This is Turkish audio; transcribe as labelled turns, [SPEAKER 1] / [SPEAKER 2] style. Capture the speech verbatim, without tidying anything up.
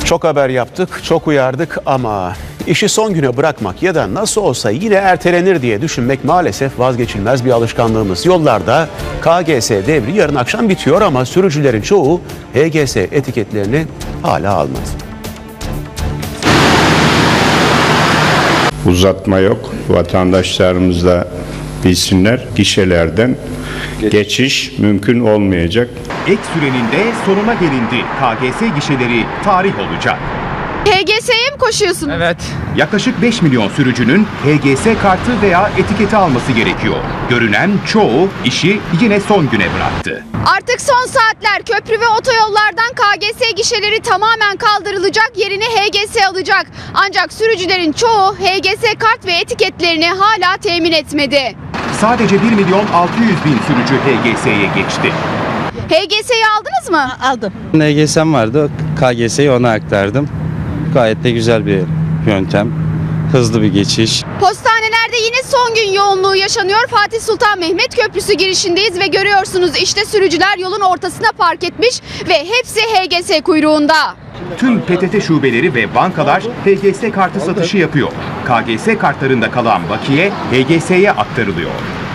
[SPEAKER 1] Çok haber yaptık, çok uyardık ama işi son güne bırakmak ya da nasıl olsa yine ertelenir diye düşünmek maalesef vazgeçilmez bir alışkanlığımız. Yollarda K G S devri yarın akşam bitiyor ama sürücülerin çoğu H G S etiketlerini hala almadı.
[SPEAKER 2] Uzatma yok. Vatandaşlarımız da bilsinler, gişelerden geçiş mümkün olmayacak.
[SPEAKER 3] Ek sürenin de sonuna gelindi. K G S gişeleri tarih olacak.
[SPEAKER 4] H G S'ye mi koşuyorsunuz?
[SPEAKER 5] Evet.
[SPEAKER 3] Yaklaşık beş milyon sürücünün H G S kartı veya etiketi alması gerekiyor. Görünen çoğu işi yine son güne bıraktı.
[SPEAKER 4] Artık son saatler köprü ve otoyollardan K G S gişeleri tamamen kaldırılacak, yerine H G S alacak. Ancak sürücülerin çoğu H G S kart ve etiketlerini hala temin etmedi.
[SPEAKER 3] Sadece bir milyon altı yüz bin sürücü H G S'ye geçti.
[SPEAKER 4] H G S'yi aldınız mı?
[SPEAKER 6] Aldım.
[SPEAKER 5] H G S'm vardı. K G S'yi ona aktardım. Gayet de güzel bir yöntem. Hızlı bir geçiş.
[SPEAKER 4] Postanelerde yine son gün yoğunluğu yaşanıyor. Fatih Sultan Mehmet Köprüsü girişindeyiz ve görüyorsunuz işte sürücüler yolun ortasına park etmiş ve hepsi H G S kuyruğunda.
[SPEAKER 3] Tüm P T T şubeleri ve bankalar H G S kartı satışı yapıyor. K G S kartlarında kalan bakiye H G S'ye aktarılıyor.